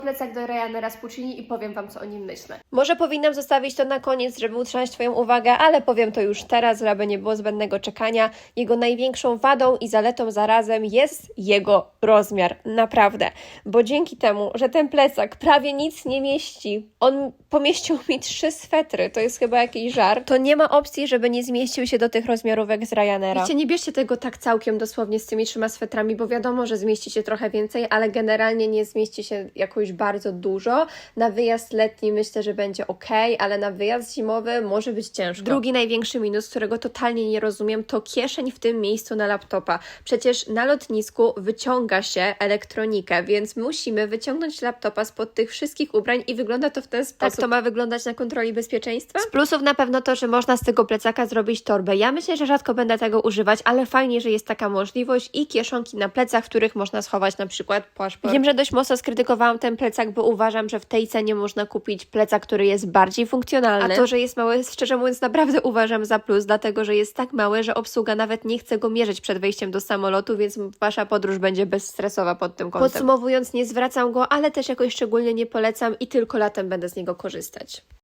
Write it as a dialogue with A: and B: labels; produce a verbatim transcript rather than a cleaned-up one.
A: plecak do Ryanaira z Puccini i powiem Wam, co o nim myślę.
B: Może powinnam zostawić to na koniec, żeby utrzymać Twoją uwagę, ale powiem to już teraz, aby nie było zbędnego czekania. Jego największą wadą i zaletą zarazem jest jego rozmiar, naprawdę. Bo dzięki temu, że ten plecak prawie nic nie mieści, on pomieścił mi trzy swetry, to jest chyba jakiś żart, to nie ma opcji, żeby nie zmieścił się do tych rozmiarówek z Ryanaira.
A: Wiecie, nie bierzcie tego tak całkiem dosłownie z tymi trzema swetrami, bo wiadomo, że zmieści się trochę więcej, ale generalnie nie zmieści się jakoś bardzo dużo. Na wyjazd letni myślę, że będzie ok, ale na wyjazd zimowy może być ciężko. Drugi największy minus, którego totalnie nie rozumiem, to kieszeń w tym miejscu na laptopa. Przecież na lotnisku wyciąga się elektronikę, więc musimy wyciągnąć laptopa spod tych wszystkich ubrań i wygląda to w ten sposób. Tak to ma wyglądać na kontroli bezpieczeństwa?
B: Z plusów na pewno to, że można z tego plecaka zrobić torbę. Ja myślę, że rzadko będę tego używać, ale fajnie, że jest taka możliwość i kieszonki na plecach, w których można schować na przykład paszport. Wiem, że dość mocno skrytykowałam ten plecak, bo uważam, że w tej cenie można kupić plecak, który jest bardziej funkcjonalny. A to, że jest mały, szczerze mówiąc, naprawdę uważam za plus, dlatego, że jest tak mały, że obsługa nawet nie chce go mierzyć przed wejściem do samolotu, więc Wasza podróż będzie bezstresowa pod tym kątem. Podsumowując, nie zwracam go, ale też jakoś szczególnie nie polecam i tylko latem będę z niego korzystać.